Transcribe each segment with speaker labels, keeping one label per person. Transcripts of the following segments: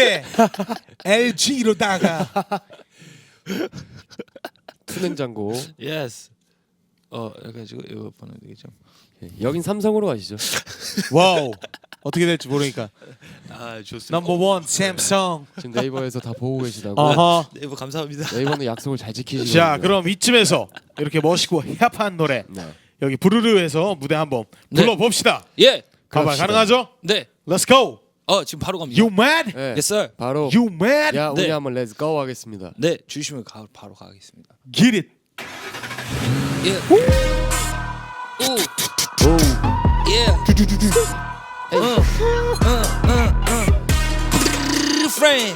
Speaker 1: 대 LG로다가
Speaker 2: 투냉장고.
Speaker 3: 예스. 그래가지고 이거 보내면 되겠죠.
Speaker 2: 여긴 삼성으로 가시죠.
Speaker 1: 와우 어떻게 될지 모르니까
Speaker 3: 아 좋습니다.
Speaker 1: 넘버 1 샘성.
Speaker 2: 지금 네이버에서 다 보고 계시다고.
Speaker 1: 어허.
Speaker 3: 네이버 감사합니다.
Speaker 2: 네이버는 약속을 잘 지키시고.
Speaker 1: 자 그럼 이쯤에서 이렇게 멋있고 힙한 노래
Speaker 2: 네.
Speaker 1: 여기 부르르에서 무대 한번
Speaker 3: 네.
Speaker 1: 불러봅시다.
Speaker 3: 예.
Speaker 1: 가발
Speaker 2: 갑시다.
Speaker 1: 가능하죠?
Speaker 3: 네.
Speaker 1: Let's go.
Speaker 3: 지금 바로 갑니다.
Speaker 1: You mad?
Speaker 2: 네.
Speaker 3: Yes sir.
Speaker 2: 바로
Speaker 1: You mad?
Speaker 2: 야 우리
Speaker 3: 네.
Speaker 2: 한번 렛츠 고 하겠습니다.
Speaker 3: 네 주시면 바로 가겠습니다.
Speaker 1: Get it.
Speaker 3: 예. 오.
Speaker 2: 오.
Speaker 3: 예. Friend.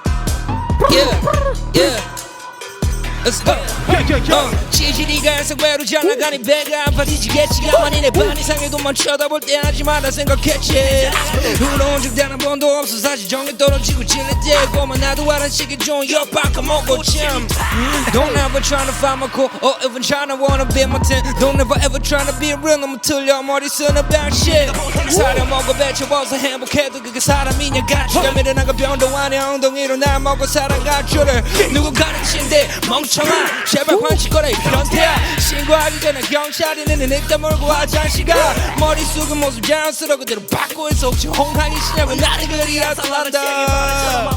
Speaker 3: Yeah. Let's go. 지지리가 생외로 잘나가니 배가 아파 뒤지겠지 가만히 내 반 이상의 돈만 쳐다볼 때 하지 마라 생각했지 울어온 적 단 한 번도 없어 사실 정이 떨어지고 질릴 때고만 나도 알아 시기 좋은 옆바꿔 먹고 참 Don't ever tryna find my core or even tryna wanna be my ten Don't ever ever tryna be real 너무 틀려 머리 쓰는 방식 사려 먹어 배쳐워서 행복해도 그게 사람이냐 가치가 미련한가 변도 아니야 엉덩이로 날 먹고 살아갈 줄을 누구 가르친데 멍청아 제발 관심거래 변태야 신고하기 전에 경찰이 는 늑대 몰고 화장실가 머릿속은 모습 자연스러워 그대로 받고 있어 혹시 홍항이 시냐고 나를 그리 아살한다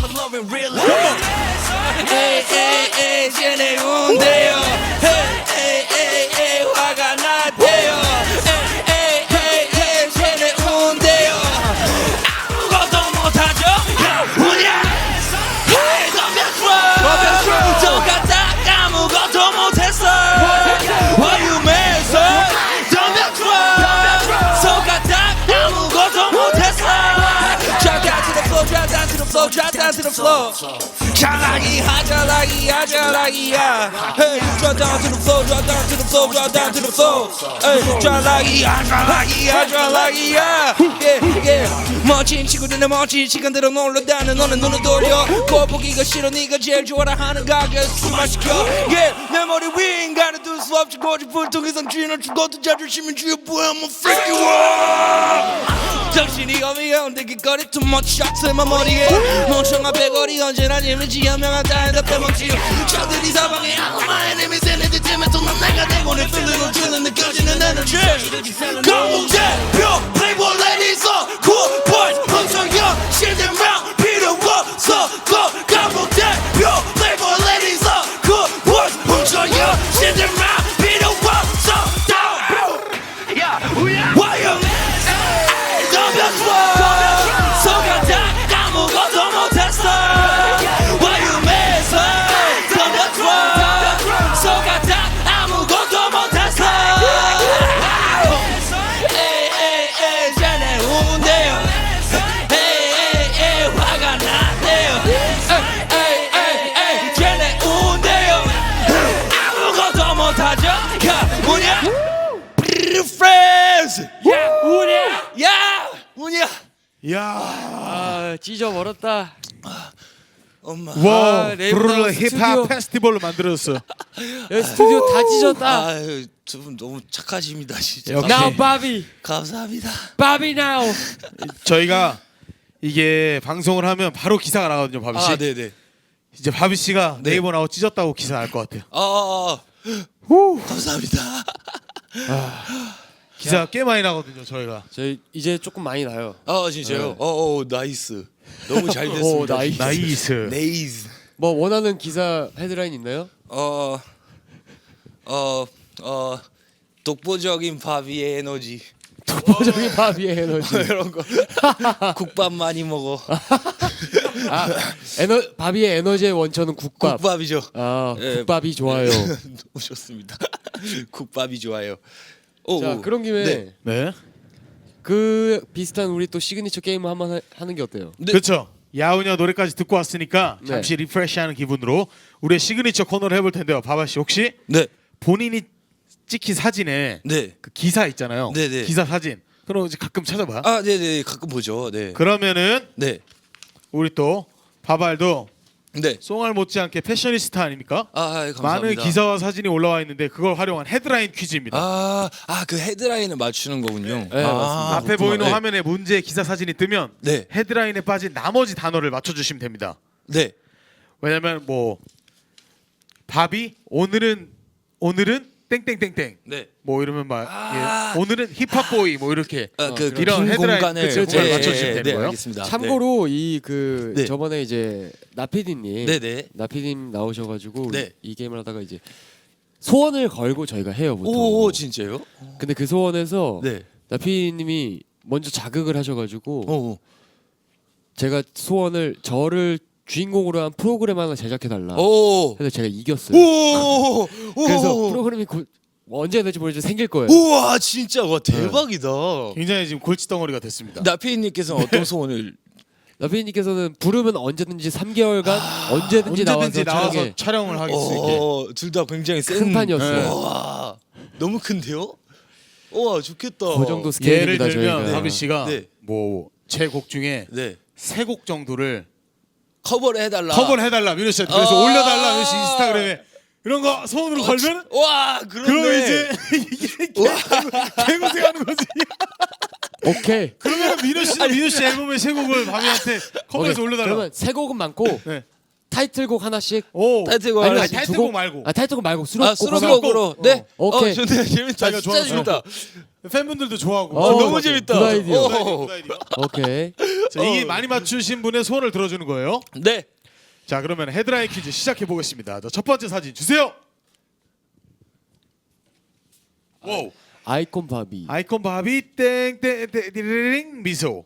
Speaker 3: 에이 에이 에이 쟤네 운대요 에이 에이 에이 화가 나대요 에이 에이 에이 쟤네 운대요 아무것도 못하죠 뭐냐 에이 덤벼 똑같다 아무것도 못했어 Why you mad sir 덤벼 똑같다 아무것도 못했어 Drop down to the floor drop down to the floor drop down to the floor 잘하기야 잘하기야 잘하기야 Hey drop down to the floor drop down to the floor drop down to the floor Hey 잘하기야 잘하기야 잘하기야 Yeah yeah 멋진 친구들은 멋진 시간대로 놀러다는 너는 눈을 돌려 꼴 보기가 싫어 네가 제일 좋아라 하는 가게 술만 시켜 Yeah 내 머리 위 인간은 둘 수 없지 고집을 통해서 쥐는 죽어도 자존심은 쥐어 보여 I'm a freaky world 정신이 어미한데 길거리 too much shots in my 머리에 멍청한 배거리 언제나 재미지 현명하다 해도 빼먹지 저들이 사방에 악마 enemies 얘네들 때문에 또 난 내가 되고 내 feeling을 주는 느껴지는 에너지 강북대표 playboy ladies cool boys 멍청형 실대명 필요 없어 강북대표 playboy ladies cool boys 멍청형 실대명 필요 없어 Why you 속았다 아무것도 못했어 Why you mad sir 덤벼 속았다 아무것도 못했어 에이 에이 에이 쟤네 운대요 에이 에이 에이 화가 나대요 에이 에이 에이 쟤네 운대요 아무것도 못하죠 야 뭐냐 Friends 야 우냐 야 우냐
Speaker 1: 야.
Speaker 2: 아 찢어버렸다.
Speaker 3: 엄마
Speaker 1: 와
Speaker 2: 네이버
Speaker 1: 부르르
Speaker 2: 나와서
Speaker 1: 힙합
Speaker 2: 스튜디오.
Speaker 1: 페스티벌로 만들었어.
Speaker 2: 여기 스튜디오 다 찢었다.
Speaker 3: 아유 두 분 너무 착하십니다 진짜
Speaker 1: 역시.
Speaker 2: Now 바비.
Speaker 3: 감사합니다
Speaker 2: 바비 now.
Speaker 1: 저희가 이게 방송을 하면 바로 기사가 나거든요, 바비 씨.
Speaker 3: 네네
Speaker 1: 이제 바비 씨가
Speaker 3: 네.
Speaker 1: 네이버 나고 찢었다고 기사 날 것 같아요.
Speaker 3: 감사합니다
Speaker 1: 기사 꽤 많이 나거든요, 저희가.
Speaker 2: 저희 이제 조금 많이 나요.
Speaker 3: 진짜요? 나이스 너무 잘
Speaker 2: 오,
Speaker 3: 됐습니다
Speaker 2: 나이스.
Speaker 1: 나이스.
Speaker 3: 네이스
Speaker 2: 뭐 원하는 기사 헤드라인 있나요?
Speaker 3: 독보적인 바비의 에너지
Speaker 2: 독보적인 바비의 에너지.
Speaker 3: 이런 거 국밥 많이 먹어
Speaker 2: 아, 바비의 에너지의 원천은 국밥.
Speaker 3: 국밥이죠
Speaker 2: 아,
Speaker 3: 예.
Speaker 2: 국밥이 좋아요.
Speaker 3: 너무 좋습니다 국밥이 좋아요
Speaker 2: 자, 그런 김에
Speaker 3: 네.
Speaker 1: 네.
Speaker 2: 그 비슷한 우리 또 시그니처 게임을 한번 하는 게 어때요?
Speaker 3: 네.
Speaker 1: 그렇죠. 야우냐 노래까지 듣고 왔으니까
Speaker 2: 네.
Speaker 1: 잠시 리프레시하는 기분으로 우리의 시그니처 코너를 해볼 텐데요. 바바 씨 혹시
Speaker 3: 네.
Speaker 1: 본인이 찍힌 사진에
Speaker 3: 네.
Speaker 1: 그 기사 있잖아요.
Speaker 3: 네네.
Speaker 1: 기사 사진. 그럼 이제 가끔 찾아봐.
Speaker 3: 네네 가끔 보죠 네.
Speaker 1: 그러면은
Speaker 3: 네.
Speaker 1: 우리 또 바발도
Speaker 3: 네.
Speaker 1: 송알 못지않게 패셔니스타 아닙니까?
Speaker 3: 감사합니다.
Speaker 1: 많은 기사와 사진이 올라와 있는데 그걸 활용한 헤드라인 퀴즈입니다.
Speaker 3: 그 헤드라인을 맞추는 거군요.
Speaker 2: 네, 맞습니다.
Speaker 1: 앞에 보이는
Speaker 3: 네.
Speaker 1: 화면에 문제의 기사 사진이 뜨면
Speaker 3: 네.
Speaker 1: 헤드라인에 빠진 나머지 단어를 맞춰주시면 됩니다.
Speaker 3: 네.
Speaker 1: 왜냐면 뭐 밥이 오늘은 땡땡땡땡
Speaker 3: 네.
Speaker 1: 뭐 이러면 막 예, 오늘은 힙합보이 뭐 이렇게
Speaker 3: 그
Speaker 1: 이런
Speaker 3: 빈
Speaker 1: 헤드라인
Speaker 3: 공간을
Speaker 1: 그걸 맞춰주시면 되는
Speaker 3: 네,
Speaker 1: 거예요.
Speaker 3: 알겠습니다.
Speaker 2: 참고로 이 그
Speaker 3: 네.
Speaker 2: 저번에 이제 나피디님
Speaker 3: 네.
Speaker 2: 나피디님 나오셔가지고
Speaker 3: 네.
Speaker 2: 이 게임을 하다가 이제 소원을 걸고 저희가 해요 보통.
Speaker 3: 오 진짜요?
Speaker 2: 근데 그 소원에서
Speaker 3: 네.
Speaker 2: 나피디님이 먼저 자극을 하셔가지고
Speaker 3: 오.
Speaker 2: 제가 소원을 저를 주인공으로 한 프로그램 하나 제작해 달라.
Speaker 3: 오.
Speaker 2: 그래서 제가 이겼어요.
Speaker 3: 오.
Speaker 2: 그래서 프로그램이 언제 될지 모르겠지만 생길 거예요.
Speaker 3: 우와 진짜 와 대박이다.
Speaker 1: 굉장히 지금 골칫덩어리가 됐습니다.
Speaker 3: 나피님께서는 어떤 소원을?
Speaker 2: 나피디님께서는 부르면 언제든지 3개월간 언제든지
Speaker 1: 언제든지
Speaker 2: 나와서
Speaker 1: 나와서 촬영을 하실 수 있게.
Speaker 3: 둘 다 굉장히 센
Speaker 2: 큰 판이었어요.
Speaker 1: 네.
Speaker 3: 와 너무 큰데요? 와 좋겠다.
Speaker 2: 그 정도
Speaker 1: 예를
Speaker 2: 스케일입니다
Speaker 1: 들면
Speaker 2: 저희가.
Speaker 1: 하비 씨가
Speaker 3: 네.
Speaker 1: 뭐 제 곡 중에
Speaker 3: 네.
Speaker 1: 3곡 정도를
Speaker 3: 커버를 해달라.
Speaker 1: 커버를 해달라 민호 씨한테 그래서
Speaker 3: 아.
Speaker 1: 올려달라 민호 씨 인스타그램에 이런 거 손으로 걸면
Speaker 3: 와 그러네.
Speaker 1: 그러면 이제 이게 개고생하는 거지.
Speaker 2: 오케이.
Speaker 1: 그러면 민호 씨 앨범의 3곡을 바비한테 커버해서
Speaker 2: 오케이.
Speaker 1: 올려달라.
Speaker 2: 그러면 3곡은 많고
Speaker 1: 네.
Speaker 2: 타이틀곡 하나씩.
Speaker 1: 오.
Speaker 3: 타이틀곡
Speaker 2: 아니,
Speaker 3: 하나씩.
Speaker 1: 타이틀곡 말고.
Speaker 2: 타이틀곡 말고 수록곡
Speaker 3: 수록곡으로.
Speaker 1: 하나.
Speaker 3: 네.
Speaker 2: 오케이.
Speaker 3: 좋네 재밌다.
Speaker 1: 자기가
Speaker 3: 진짜
Speaker 1: 좋아하는
Speaker 3: 재밌다.
Speaker 1: 팬분들도 좋아하고.
Speaker 3: 너무
Speaker 2: 맞아요.
Speaker 3: 재밌다.
Speaker 2: 굿 아이디어.
Speaker 3: 오.
Speaker 1: 굿 아이디어.
Speaker 2: 오케이.
Speaker 1: 자, 이 많이 맞추신 분의 소원을 들어주는 거예요.
Speaker 3: 네.
Speaker 1: 자, 그러면 헤드라인 퀴즈 시작해 보겠습니다. 자, 첫 번째 사진 주세요. 오.
Speaker 2: 아이콘 바비.
Speaker 1: 아이콘 바비 땡땡땡 미소.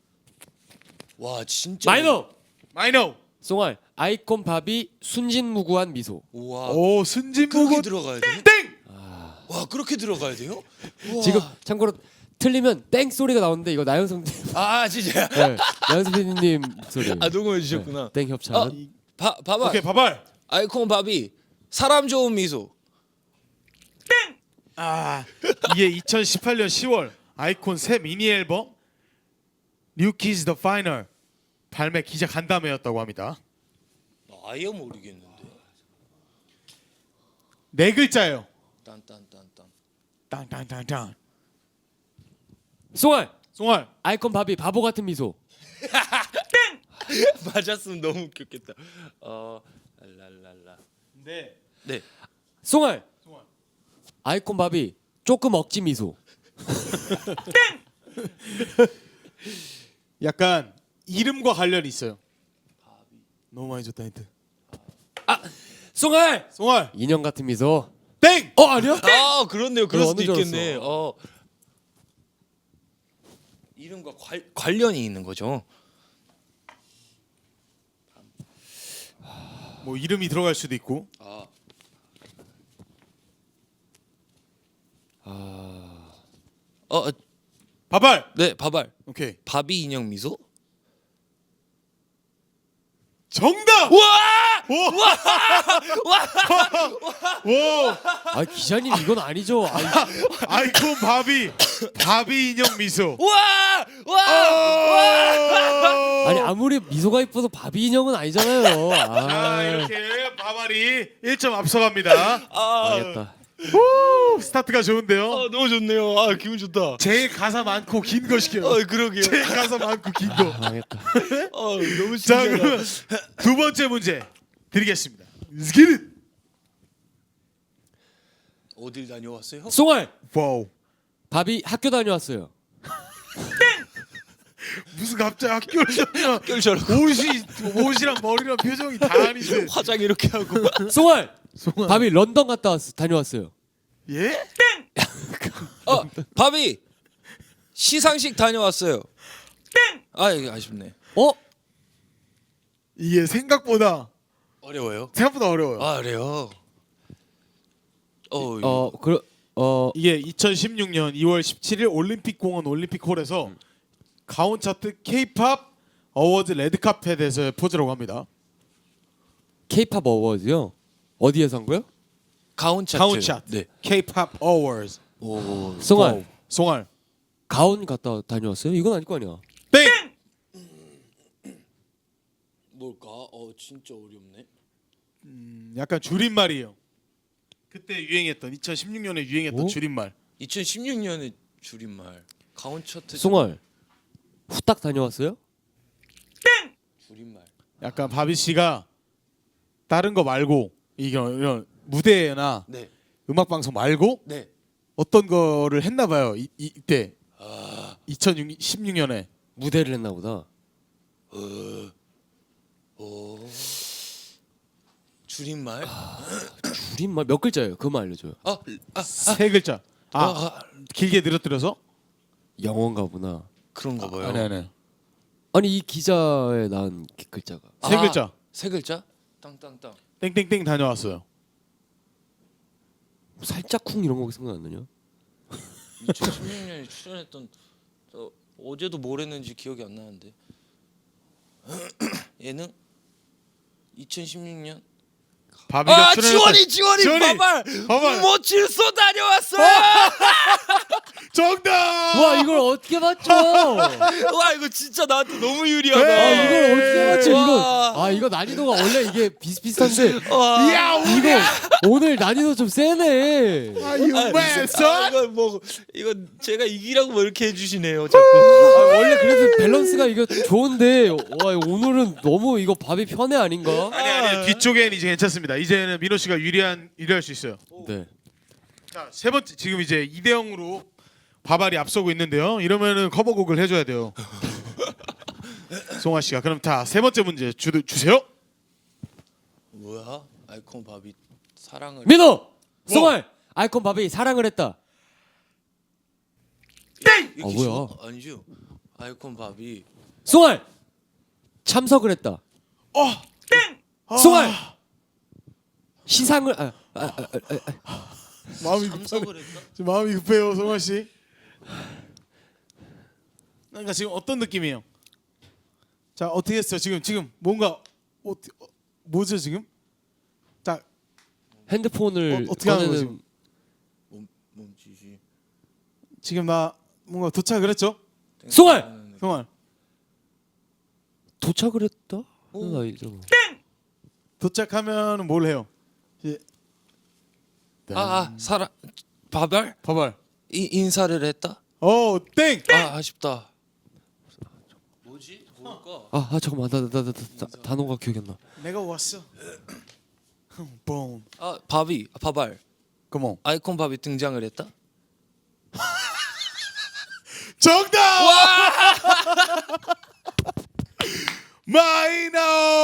Speaker 3: 와 진짜.
Speaker 1: 마이너.
Speaker 2: 송알. 아이콘 바비 순진무구한 미소.
Speaker 3: 와.
Speaker 1: 오,
Speaker 3: 그렇게
Speaker 1: 순진무구
Speaker 3: 들어가야 돼?
Speaker 1: 땡.
Speaker 3: 와 그렇게 들어가야 돼요? 우와.
Speaker 2: 지금 참고로 틀리면 땡 소리가 나오는데 이거 나영성
Speaker 3: 진짜.
Speaker 2: 네, 나영성 PD님 목소리.
Speaker 3: 녹음해 주셨구나.
Speaker 2: 땡 협찬.
Speaker 3: 봐봐.
Speaker 1: 오케이, 바발.
Speaker 3: 아이콘 바비 사람 좋은 미소.
Speaker 1: 이게 2018년 10월 아이콘 새 미니 앨범 New Kids The Final 발매 기자 간담회였다고 합니다.
Speaker 3: 아예 모르겠는데.
Speaker 1: 4글자예요.
Speaker 3: 딴딴딴딴.
Speaker 1: 땅땅땅땅.
Speaker 2: 송알.
Speaker 1: 송알.
Speaker 2: 아이콘 바비 바보 같은 미소.
Speaker 3: 맞았으면 너무 웃겼겠다. 랄랄라.
Speaker 1: 네.
Speaker 3: 네.
Speaker 2: 송알.
Speaker 1: 송알.
Speaker 2: 아이콘 바비 조금 억지 미소.
Speaker 1: 약간 이름과 관련이 있어요. 너무 많이 줬다 힌트.
Speaker 2: 송알.
Speaker 1: 송알.
Speaker 2: 인형 같은 미소.
Speaker 1: 땡.
Speaker 2: 아니야?
Speaker 3: 그렇네요. 그럴
Speaker 2: 그거
Speaker 3: 수도
Speaker 2: 어느 줄
Speaker 3: 있겠네. 이름과 관련이 있는 거죠.
Speaker 1: 뭐 이름이 들어갈 수도 있고. 바발.
Speaker 3: 네, 바발.
Speaker 1: 오케이.
Speaker 3: 바비 인형 미소?
Speaker 1: 정답.
Speaker 3: 와!
Speaker 1: 와.
Speaker 2: 아 기자님 이건 아니죠.
Speaker 1: 아이콘 바비 인형 미소.
Speaker 3: 와!
Speaker 2: 아니 아무리 미소가 이뻐도 바비 인형은 아니잖아요.
Speaker 1: 자, 이렇게 바발이 1점 앞서갑니다.
Speaker 2: 알겠다.
Speaker 1: 스타트가 좋은데요.
Speaker 3: 너무 좋네요. 기분 좋다.
Speaker 1: 제일 가사 많고 긴 거 시켜요.
Speaker 3: 그러게요.
Speaker 1: 제일 가사 많고 긴 거.
Speaker 2: 망했다.
Speaker 3: 너무
Speaker 1: 자,
Speaker 3: 신기하다.
Speaker 1: 그러면 두 번째 문제 드리겠습니다. 스키릿.
Speaker 3: 어딜 다녀왔어요?
Speaker 2: 송알.
Speaker 1: 와우.
Speaker 2: 바비 학교 다녀왔어요.
Speaker 1: 무슨 갑자기 학교를 다녀.
Speaker 3: 학교를 저러고
Speaker 1: 옷이랑 머리랑 표정이 다 아닌데.
Speaker 3: 화장 이렇게 하고.
Speaker 2: 송알. 바비 런던 다녀왔어요.
Speaker 1: 예?
Speaker 3: 바비 시상식 다녀왔어요. 이게 아쉽네.
Speaker 1: 이게 생각보다
Speaker 3: 어려워요?
Speaker 1: 어려워요.
Speaker 3: 그래요?
Speaker 1: 이게 2016년 2월 17일 올림픽공원 올림픽홀에서 가온 차트 K-팝 어워즈 레드카펫에서의 포즈라고 합니다.
Speaker 2: K-팝 어워즈요? 어디에서 한 거요?
Speaker 3: 가온 차트.
Speaker 1: 가온 차트.
Speaker 3: 네.
Speaker 1: K-팝 어워즈.
Speaker 2: 송알.
Speaker 1: 송알.
Speaker 2: 가온 갔다 다녀왔어요? 이건 아닐 거 아니야.
Speaker 1: 땡.
Speaker 3: 뭘까? 진짜 어렵네.
Speaker 1: 약간 줄임말이에요. 그때 유행했던 2016년에 유행했던
Speaker 2: 오?
Speaker 1: 줄임말.
Speaker 3: 2016년에 줄임말. 가온 차트
Speaker 2: 송알 후딱 다녀왔어요?
Speaker 3: 줄임말.
Speaker 1: 약간 바비 씨가 다른 거 말고 이런 무대나
Speaker 3: 네.
Speaker 1: 음악 방송 말고
Speaker 3: 네.
Speaker 1: 어떤 거를 했나 봐요. 이때 2016년에
Speaker 2: 무대를 했나 보다.
Speaker 3: 줄임말?
Speaker 2: 줄임말 몇 글자예요? 그만 알려줘요.
Speaker 1: 세 글자. 길게 늘어뜨려서?
Speaker 2: 영어인가 보나.
Speaker 3: 그런가 봐요.
Speaker 1: 아니.
Speaker 2: 아니 이 기자에 나온 글자가
Speaker 1: 세 글자.
Speaker 3: 세 글자? 땅땅땅.
Speaker 1: 땡땡땡 다녀왔어요.
Speaker 2: 살짝 쿵 이런 거 생각 안 나냐?
Speaker 3: 2016년에 출연했던 어제도 뭘 했는지 기억이 안 나는데. 예능? 2016년?
Speaker 1: 바비가 출연했던
Speaker 3: 지원이
Speaker 1: 봐발!
Speaker 3: 모칠소 다녀왔어요.
Speaker 1: 정답!
Speaker 2: 와 이걸 어떻게 맞죠?
Speaker 3: 와 이거 진짜 나한테 너무 유리하다.
Speaker 2: 아 이걸 어떻게 맞죠?
Speaker 3: 와.
Speaker 2: 이거 이거 난이도가 원래 이게 비슷비슷한데
Speaker 1: 야,
Speaker 2: 이거 오늘 난이도 좀 세네.
Speaker 3: 이거 제가 이기라고 뭐 이렇게 해주시네요 자꾸.
Speaker 2: 원래 그래도 밸런스가 이거 좋은데 와 오늘은 너무 이거 밥이 편해 아닌가?
Speaker 1: 아니 뒤쪽엔 이제 괜찮습니다. 이제는 민호 씨가 유리할 수 있어요.
Speaker 2: 네.
Speaker 1: 자, 세 번째 지금 이제 2대 0으로 바발이 앞서고 있는데요. 이러면은 커버곡을 해줘야 돼요. 송아 씨가 그럼 다 세 번째 문제 주세요.
Speaker 3: 뭐야? 아이콘 바비 사랑을.
Speaker 2: 민호, 송알, 아이콘 밥이 사랑을 했다.
Speaker 3: 이게
Speaker 2: 뭐야?
Speaker 3: 쉬워? 아니죠. 아이콘 바비.
Speaker 2: 송알 참석을 했다. 송알 시상을
Speaker 1: 마음이
Speaker 3: 참석을 했다.
Speaker 1: 지금 마음이 급해요, 송아 씨. 그러니까 지금 어떤 느낌이에요? 자, 어떻게 했어요? 지금 뭔가 뭐죠 지금? 자,
Speaker 2: 핸드폰을
Speaker 1: 어떻게 하는 거지?
Speaker 2: 꺼내는
Speaker 3: 몸짓이.
Speaker 1: 지금 나 뭔가 도착을 했죠?
Speaker 2: 송알
Speaker 1: 송아
Speaker 2: 도착을 했다? 나 이제
Speaker 1: 도착하면 뭘 해요? 이제
Speaker 3: 사랑 바발
Speaker 1: 바발.
Speaker 3: 인사를 했다.
Speaker 1: 땡.
Speaker 3: 아쉽다. 뭐지? 뭘까?
Speaker 2: 잠깐만 나 단어가 기억이 안 나.
Speaker 1: 내가 왔어. 봄.
Speaker 3: 바비 바발
Speaker 1: 컴온.
Speaker 3: 아이콘 바비 등장을 했다.
Speaker 1: 정답! 마이너!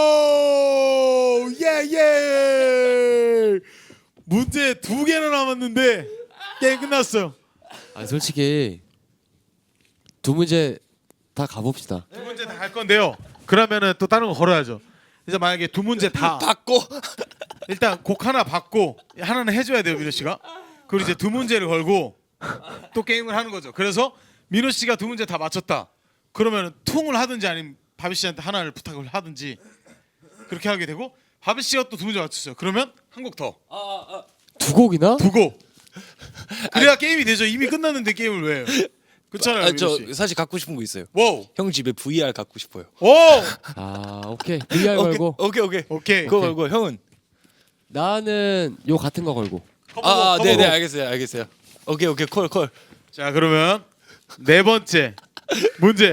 Speaker 1: 예! 문제 2개나 남았는데 게임 끝났어요.
Speaker 2: 솔직히 두 문제 다 가봅시다.
Speaker 1: 두 문제 다 갈 건데요. 그러면은 또 다른 거 걸어야죠. 이제 만약에 두 문제 다
Speaker 3: 받고.
Speaker 1: 일단 곡 하나 받고 하나는 해줘야 돼요, 민호 씨가. 그리고 이제 두 문제를 걸고 또 게임을 하는 거죠. 그래서 민호 씨가 두 문제 다 맞췄다. 그러면은 퉁을 하든지 아니면 바비 씨한테 하나를 부탁을 하든지 그렇게 하게 되고 바비 씨가 또 두 문제 맞췄어요. 그러면 한 곡 더.
Speaker 2: 두 곡이나?
Speaker 1: 두 곡. 그래야 게임이 되죠. 이미 끝났는데 게임을 왜 해요? 그렇잖아요, 민호
Speaker 3: 저
Speaker 1: 씨.
Speaker 3: 사실 갖고 싶은 거 있어요.
Speaker 1: 와우.
Speaker 3: 형 집에 VR 갖고 싶어요.
Speaker 1: 오!
Speaker 2: 오케이 VR 걸고
Speaker 1: 오케이.
Speaker 3: 그거 걸고 형은?
Speaker 2: 나는 요 같은 거 걸고.
Speaker 1: 커버곡.
Speaker 3: 네네 알겠어요. 오케이 콜.
Speaker 1: 자, 그러면 네 번째 문제.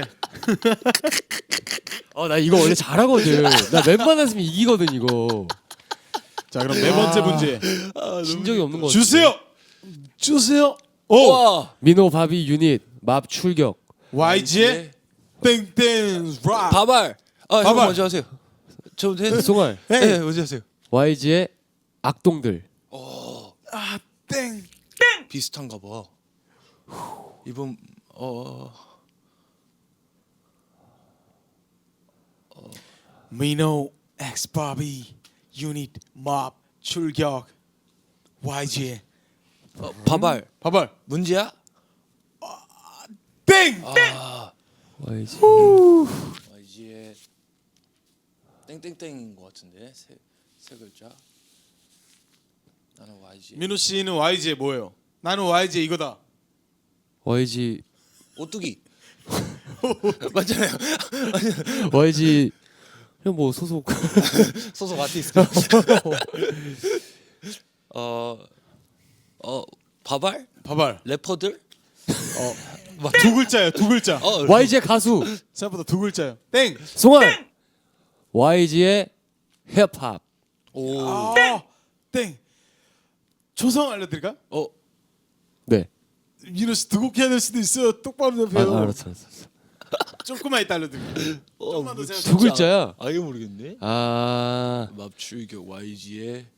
Speaker 2: 나 이거 원래 잘하거든. 나 웬만했으면 이기거든 이거.
Speaker 1: 자, 그럼 네 번째 문제
Speaker 2: 진 적이 없는 거 같아.
Speaker 1: 주세요.
Speaker 3: 와.
Speaker 2: 민호 바비 유닛 맙 출격.
Speaker 1: YG의 땡땡 락.
Speaker 3: 바발. 형
Speaker 1: 바발.
Speaker 3: 먼저 하세요. 저
Speaker 2: 송알
Speaker 3: 네 먼저 하세요.
Speaker 2: YG의 악동들.
Speaker 1: 땡.
Speaker 3: 비슷한가 봐. 이번
Speaker 1: 민호 X 바비 유닛 맙 출격 YG
Speaker 3: 바발
Speaker 1: 바발
Speaker 3: 문제야?
Speaker 1: 땡.
Speaker 2: YG.
Speaker 3: 이제 땡땡땡인 것 같은데 세 글자. 나는 YG.
Speaker 1: 민호 씨는 YG의 뭐예요? 나는 YG의 이거다.
Speaker 2: 그냥 뭐 소속.
Speaker 3: 소속 아티스트. 바발?
Speaker 1: 바발.
Speaker 3: 래퍼들?
Speaker 1: 두 글자예요. 두 글자.
Speaker 2: YG의 가수.
Speaker 1: 생각보다 두 글자예요. 땡.
Speaker 2: 송알. YG의 힙합.
Speaker 3: 오.
Speaker 1: 땡. 초성 알려드릴까?
Speaker 2: 네.
Speaker 1: 민호 씨 두 곡 해야 될 수도 있어요. 똑바로 대표요.
Speaker 2: 알았어.
Speaker 1: 조금만 이따 알려드릴게요. 조금만 더 생각.
Speaker 2: 두 글자야.
Speaker 3: 아예 모르겠네. 맙출격 YG의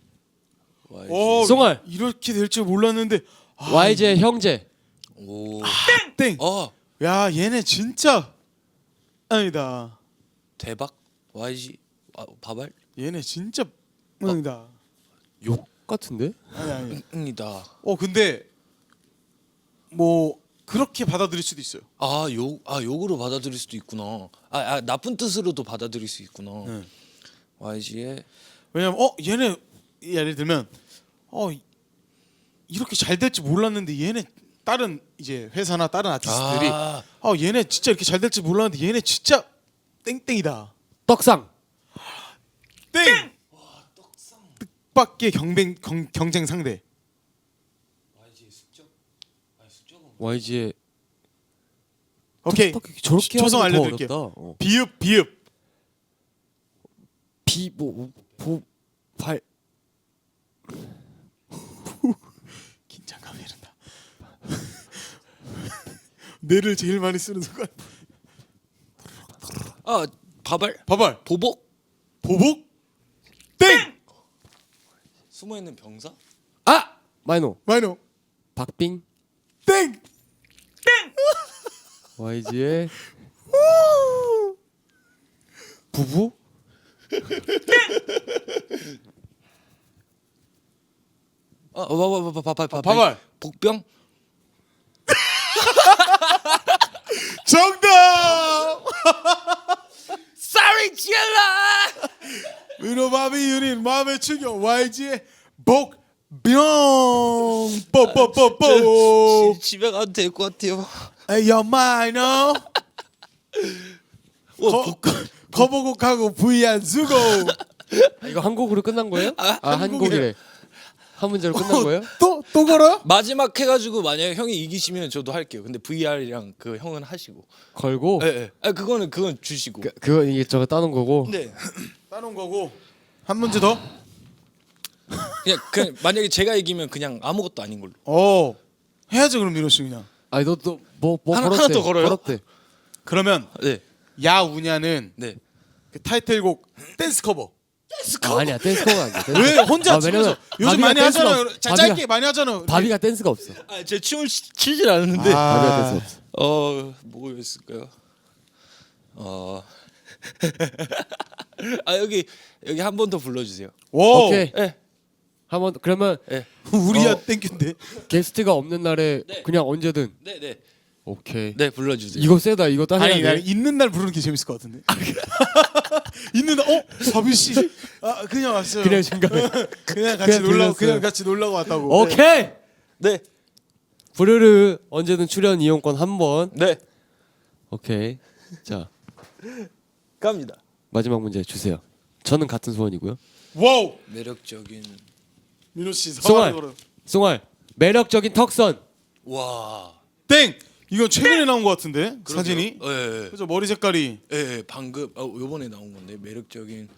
Speaker 2: 송알.
Speaker 1: 이렇게 될 줄 몰랐는데.
Speaker 2: YG의 형제.
Speaker 3: 오.
Speaker 1: 땡. 야 얘네 진짜 아니다.
Speaker 3: 대박 YG 바발?
Speaker 1: 얘네 진짜 아니다.
Speaker 2: 욕 같은데?
Speaker 1: 아니.
Speaker 3: 응이다.
Speaker 1: 근데 뭐 그렇게 받아들일 수도 있어요.
Speaker 3: 욕으로 받아들일 수도 있구나. 나쁜 뜻으로도 받아들일 수 있구나.
Speaker 1: 네.
Speaker 3: YG의
Speaker 1: 왜냐면 얘네 예를 들면 이렇게 잘 될지 몰랐는데 얘네 다른 이제 회사나 다른 아티스트들이 얘네 진짜 이렇게 잘 될지 몰랐는데 얘네 진짜 땡땡이다.
Speaker 2: 떡상.
Speaker 1: 땡. 뜻밖의 경쟁 상대.
Speaker 2: YG의
Speaker 1: 오케이.
Speaker 2: 저렇게
Speaker 1: 초성
Speaker 2: 하는 거
Speaker 1: 알려드릴게요.
Speaker 2: 어렵다.
Speaker 1: 비읍.
Speaker 2: 발.
Speaker 1: 긴장감이 이른다. 뇌를 제일 많이 쓰는 순간.
Speaker 3: 바발?
Speaker 1: 바발.
Speaker 3: 보복?
Speaker 1: 땡.
Speaker 3: 숨어있는 병사?
Speaker 2: 마이노. 박빙.
Speaker 1: 땡.
Speaker 2: YG의 부부?
Speaker 3: 바발. 복병?
Speaker 1: 정답.
Speaker 3: Sorry, 지엘라.
Speaker 1: 위로바비 유닛 마음의 충격 YG의 복병. 뽀뽀뽀뽀.
Speaker 3: 집에 가도 될 것 같아요.
Speaker 1: 에이요 마이너. 커버곡하고 V안 주고.
Speaker 2: 이거 한 곡으로 끝난 거예요? 한
Speaker 1: 한
Speaker 2: 곡이래. 한 문제로 끝난 거예요?
Speaker 1: 또 걸어?
Speaker 3: 마지막 해가지고 만약에 형이 이기시면 저도 할게요. 근데 VR이랑 그 형은 하시고.
Speaker 2: 걸고.
Speaker 3: 네. 그건 주시고.
Speaker 2: 그거 이게 저거 따는 거고.
Speaker 3: 네.
Speaker 1: 따놓은 거고. 한 문제 더?
Speaker 3: 그냥 만약에 제가 이기면 그냥 아무것도 아닌 걸로.
Speaker 1: 해야죠 그럼 민호 씨 그냥.
Speaker 2: 아니 너뭐
Speaker 3: 하나
Speaker 2: 걸었대.
Speaker 3: 더 걸어요?
Speaker 2: 걸었대.
Speaker 1: 그러면
Speaker 3: 네.
Speaker 1: 야우냐는
Speaker 3: 네.
Speaker 1: 그 타이틀곡 댄스 커버.
Speaker 2: 아니야 댄스가 아니야.
Speaker 1: 왜 혼자
Speaker 2: 왜냐면
Speaker 1: 집에서 요즘
Speaker 2: 바비가
Speaker 1: 많이
Speaker 2: 댄스가
Speaker 1: 하잖아요.
Speaker 2: 없-
Speaker 1: 짧게 많이 하잖아요.
Speaker 2: 바비가 댄스가 없어.
Speaker 3: 제 춤을 추질 않는데.
Speaker 2: 바비가 댄스 없어.
Speaker 3: 뭐였을까요? 여기 한 번 더 불러주세요.
Speaker 1: 오.
Speaker 2: 오케이.
Speaker 3: 네.
Speaker 2: 한번 그러면
Speaker 1: 우리야 땡큐인데.
Speaker 2: 게스트가 없는 날에
Speaker 3: 네.
Speaker 2: 그냥 언제든.
Speaker 3: 네.
Speaker 2: 오케이.
Speaker 3: 네 불러주세요.
Speaker 2: 이거 세다. 이거 따야
Speaker 1: 아니 나
Speaker 2: 돼.
Speaker 1: 있는 날 부르는 게 재밌을 것 같은데. 있는 날 바비 씨. 그냥 왔어요.
Speaker 2: 그냥 중간에.
Speaker 1: 그냥 같이
Speaker 2: 그냥
Speaker 1: 놀라고
Speaker 2: 들렸어요.
Speaker 1: 그냥 같이 놀라고 왔다고.
Speaker 2: 오케이.
Speaker 3: 네.
Speaker 2: 부르르 언제든 출연 이용권 한 번.
Speaker 3: 네.
Speaker 2: 오케이. 자
Speaker 3: 갑니다.
Speaker 2: 마지막 문제 주세요. 저는 같은 소원이고요.
Speaker 1: 와우.
Speaker 3: 매력적인.
Speaker 1: 민호 씨
Speaker 2: 송알.
Speaker 1: 걸어.
Speaker 2: 송알 매력적인 턱선.
Speaker 3: 와.
Speaker 1: 땡. 이건 최근에 나온 것 같은데 사진이.
Speaker 3: 네.
Speaker 1: 그죠 머리 색깔이.
Speaker 3: 네. 방금 요번에 나온 건데 매력적인.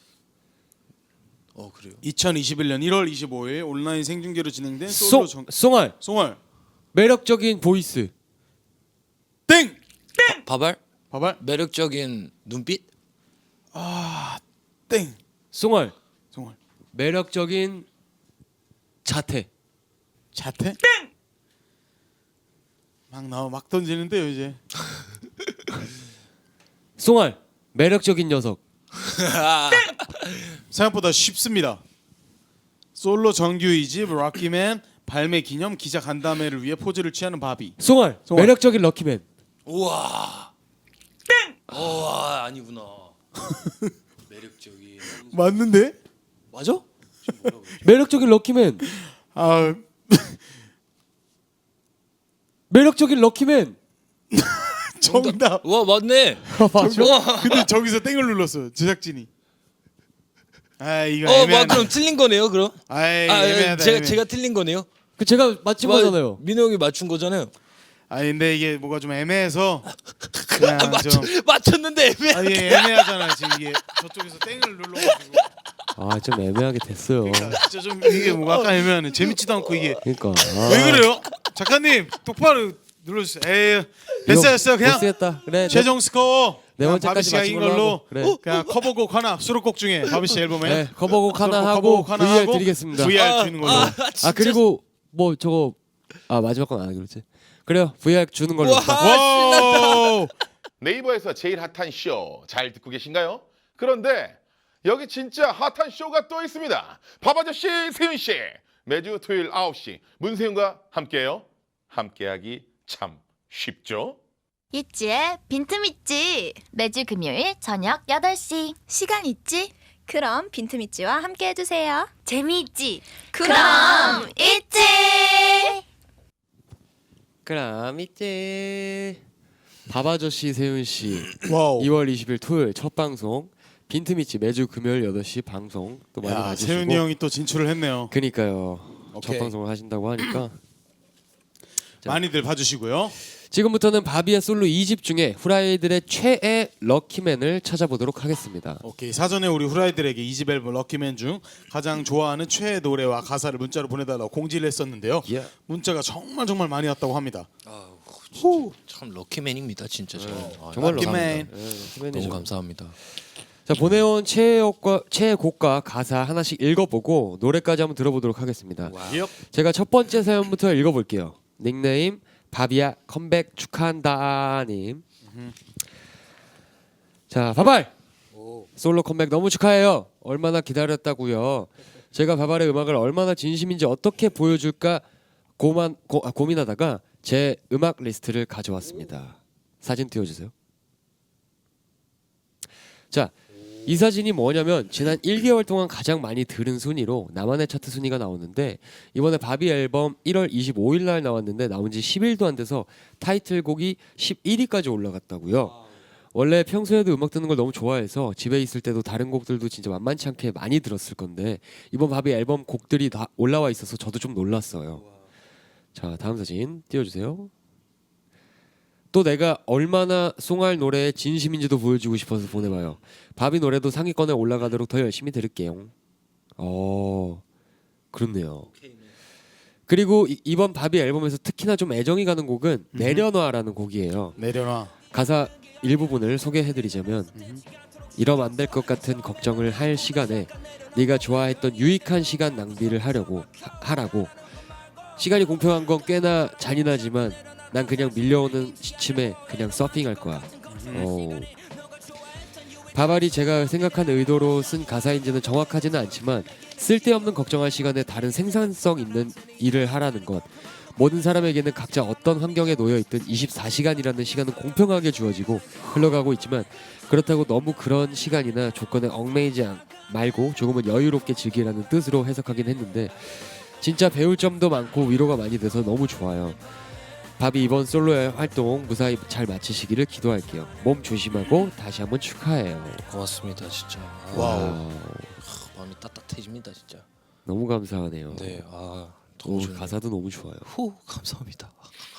Speaker 3: 그래요.
Speaker 1: 2021년 1월 25일 온라인 생중계로 진행된 솔로
Speaker 2: 송알
Speaker 1: 송알.
Speaker 2: 매력적인 보이스.
Speaker 1: 땡.
Speaker 3: 바발?
Speaker 1: 바발.
Speaker 3: 매력적인 눈빛?
Speaker 1: 땡.
Speaker 2: 송알
Speaker 1: 송알.
Speaker 2: 매력적인 자태.
Speaker 1: 자태? 땡. 막 던지는데요 이제.
Speaker 2: 송알 매력적인 녀석.
Speaker 1: 생각보다 쉽습니다. 솔로 정규 2집 럭키맨 발매 기념 기자 간담회를 위해 포즈를 취하는 바비.
Speaker 2: 송알
Speaker 1: 송알.
Speaker 2: 매력적인 럭키맨.
Speaker 3: 우와. 땡. 아니구나. 매력적인.
Speaker 1: 맞는데?
Speaker 3: 맞아?
Speaker 2: 매력적인 럭키맨. 매력적인 럭키맨.
Speaker 1: 정답.
Speaker 3: 와 맞네.
Speaker 2: 맞죠?
Speaker 3: 와.
Speaker 1: 근데 저기서 땡을 눌렀어 제작진이. 아 이거
Speaker 3: 와
Speaker 1: 애매하네.
Speaker 3: 그럼 틀린 거네요 그럼?
Speaker 1: 아이
Speaker 3: 아
Speaker 1: 애매하다.
Speaker 3: 제가 틀린 거네요.
Speaker 2: 그 제가 맞힌 거잖아요.
Speaker 3: 민호 형이 맞춘 거잖아요.
Speaker 1: 아 근데 이게 뭐가 좀 애매해서 그냥 좀
Speaker 3: 맞췄는데 애매.
Speaker 1: 아 이게 애매하잖아 지금 이게 저쪽에서 땡을 눌러가지고.
Speaker 2: 아 좀 애매하게 됐어요.
Speaker 1: 그러니까 진짜 좀 이게 뭐 약간 애매하네. 재밌지도 않고 이게
Speaker 2: 그러니까
Speaker 1: 왜 그래요? 작가님 똑바로 눌러주세요. 에이 됐어 그냥
Speaker 2: 못쓰겠다. 그래.
Speaker 1: 최종 스코어
Speaker 2: 네
Speaker 1: 그냥
Speaker 2: 번째까지
Speaker 1: 바비 씨가
Speaker 2: 맞힌
Speaker 1: 이긴
Speaker 2: 걸로
Speaker 1: 걸로
Speaker 2: 하고. 그래.
Speaker 1: 그냥 커버곡 하나 수록곡 중에 바비 씨 앨범에
Speaker 2: 네, 커버곡 하나
Speaker 1: 수록곡
Speaker 2: 하고
Speaker 1: 커버곡 하나
Speaker 2: VR
Speaker 1: 하고
Speaker 2: 드리겠습니다.
Speaker 1: VR 주는 걸로.
Speaker 2: 아 그리고 뭐 저거 마지막 건 안 하기로 했지. 그래요. VR 주는 걸로.
Speaker 3: 와.
Speaker 1: 와우.
Speaker 4: 네이버에서 제일 핫한 쇼 잘 듣고 계신가요? 그런데 여기 진짜 핫한 쇼가 또 있습니다. 밥아저씨 세윤씨 매주 토요일 9시 문세윤과 함께해요. 함께하기 참 쉽죠?
Speaker 5: 있지의 빈틈있지. 매주 금요일 저녁 8시. 시간 있지?
Speaker 6: 그럼 빈틈있지와 함께 해주세요.
Speaker 5: 재미있지?
Speaker 6: 그럼
Speaker 5: 있지!
Speaker 2: 그럼 이제 밥아저씨 세윤 씨
Speaker 1: 와우.
Speaker 2: 2월 20일 토요일 첫 방송 빈틈있지 매주 금요일 8시 방송 또 많이
Speaker 1: 야,
Speaker 2: 봐주시고.
Speaker 1: 세윤이 형이 또 진출을 했네요.
Speaker 2: 그니까요.
Speaker 1: 오케이.
Speaker 2: 첫 방송을 하신다고 하니까 자.
Speaker 1: 많이들 봐주시고요.
Speaker 2: 지금부터는 바비의 솔로 2집 중에 후라이들의 최애 럭키맨을 찾아보도록 하겠습니다.
Speaker 1: 오케이 사전에 우리 후라이들에게 2집 앨범 럭키맨 중 가장 좋아하는 최애 노래와 가사를 문자로 보내달라고 공지를 했었는데요.
Speaker 2: 예.
Speaker 1: 문자가 정말 많이 왔다고 합니다.
Speaker 3: 참 럭키맨입니다 진짜 저. 아,
Speaker 2: 정말
Speaker 1: 럭키맨.
Speaker 3: 너무 감사합니다.
Speaker 2: 자 보내온 최애곡과 가사 하나씩 읽어보고 노래까지 한번 들어보도록 하겠습니다.
Speaker 1: 예.
Speaker 2: 제가 첫 번째 사연부터 읽어볼게요. 닉네임 바비야 컴백 축하한다님. 자 바발 솔로 컴백 너무 축하해요. 얼마나 기다렸다고요. 제가 바발의 음악을 얼마나 진심인지 어떻게 보여줄까 고민하다가 제 음악 리스트를 가져왔습니다. 사진 띄워주세요. 자, 이 사진이 뭐냐면 지난 1개월 동안 가장 많이 들은 순위로 나만의 차트 순위가 나오는데 이번에 바비 앨범 1월 25일 날 나왔는데 나온 지 10일도 안 돼서 타이틀곡이 11위까지 올라갔다고요. 원래 평소에도 음악 듣는 걸 너무 좋아해서 집에 있을 때도 다른 곡들도 진짜 만만치 않게 많이 들었을 건데 이번 바비 앨범 곡들이 다 올라와 있어서 저도 좀 놀랐어요. 자, 다음 사진 띄워주세요. 또 내가 얼마나 송알 노래에 진심인지도 보여주고 싶어서 보내봐요. 바비 노래도 상위권에 올라가도록 더 열심히 들을게요. 그렇네요. 그리고 이번 바비 앨범에서 특히나 좀 애정이 가는 곡은 내려놔라는 곡이에요.
Speaker 1: 내려놔.
Speaker 2: 가사 일부분을 소개해드리자면 이러면 안 될 것 같은 걱정을 할 시간에 네가 좋아했던 유익한 시간 낭비를 하라고. 시간이 공평한 건 꽤나 잔인하지만 난 그냥 밀려오는 시침에 그냥 서핑할 거야. 바발이 제가 생각한 의도로 쓴 가사인지는 정확하지는 않지만 쓸데없는 걱정할 시간에 다른 생산성 있는 일을 하라는 것. 모든 사람에게는 각자 어떤 환경에 놓여 있든 24시간이라는 시간은 공평하게 주어지고 흘러가고 있지만 그렇다고 너무 그런 시간이나 조건에 얽매이지 말고 조금은 여유롭게 즐기라는 뜻으로 해석하긴 했는데 진짜 배울 점도 많고 위로가 많이 돼서 너무 좋아요. 바비 이번 솔로의 활동 무사히 잘 마치시기를 기도할게요. 몸 조심하고 다시 한번 축하해요.
Speaker 3: 고맙습니다 진짜.
Speaker 1: 와우.
Speaker 3: 마음이 따뜻해집니다 진짜.
Speaker 2: 너무 감사하네요.
Speaker 3: 네.
Speaker 2: 너무 가사도 너무 좋아요.
Speaker 3: 후 감사합니다.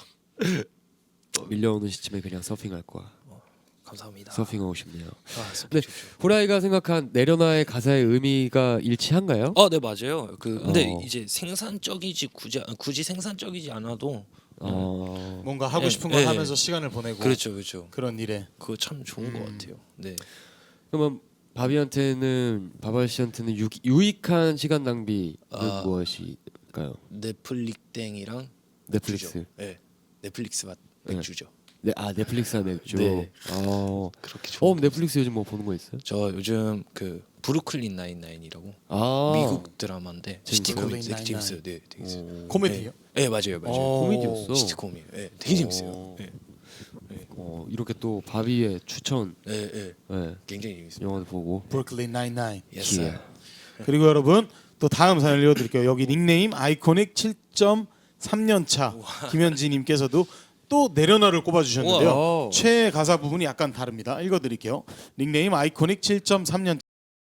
Speaker 2: 밀려오는 시침에 그냥 서핑할 거야.
Speaker 3: 감사합니다.
Speaker 2: 서핑하고 싶네요.
Speaker 3: 서핑
Speaker 2: 네,
Speaker 3: 좋죠.
Speaker 2: 후라이가 생각한 내려놔의 가사의 의미가 일치한가요?
Speaker 3: 네 맞아요. 근데
Speaker 2: 어.
Speaker 3: 이제 생산적이지 굳이 생산적이지 않아도
Speaker 1: 뭔가 하고
Speaker 3: 네,
Speaker 1: 싶은 걸
Speaker 3: 네.
Speaker 1: 하면서 시간을 보내고
Speaker 3: 그렇죠.
Speaker 1: 그런 일에.
Speaker 3: 그거 참 좋은 것 같아요. 네.
Speaker 2: 그러면 바발 씨한테는 유익한 시간 낭비는 무엇일까요?
Speaker 3: 넷플릭땡이랑
Speaker 2: 넷플릭스.
Speaker 3: 맥주죠. 네. 넷플릭스 맛 맥주죠.
Speaker 2: 네, 넷플릭스와 맥주.
Speaker 3: 네. 그렇게 좋은.
Speaker 2: 넷플릭스 요즘 뭐 보는 거 있어요?
Speaker 3: 저 요즘 그 브루클린 99이라고
Speaker 2: 아,
Speaker 3: 미국 드라마인데
Speaker 2: 재밌어요?
Speaker 3: 시티콤이 되게
Speaker 1: 브루클린
Speaker 3: 재밌어요. 네, 되게 재밌어요.
Speaker 1: 코미디요?
Speaker 3: 네, 맞아요.
Speaker 2: 코미디였어.
Speaker 3: 시티콤이에요. 네, 되게 재밌어요. 네,
Speaker 2: 이렇게 또 바비의 추천
Speaker 3: 네,
Speaker 2: 네,
Speaker 3: 굉장히 재밌어요.
Speaker 2: 영화도 보고.
Speaker 1: 브루클린 99.
Speaker 3: Yes, sir.
Speaker 1: 그리고 여러분 또 다음 사연을 읽어드릴게요. 여기 닉네임 아이코닉 7.3년 차 김현지님께서도 또 내려놔를 꼽아주셨는데요.
Speaker 2: 우와.
Speaker 1: 최애 가사 부분이 약간 다릅니다. 읽어드릴게요. 닉네임 아이코닉 7.3년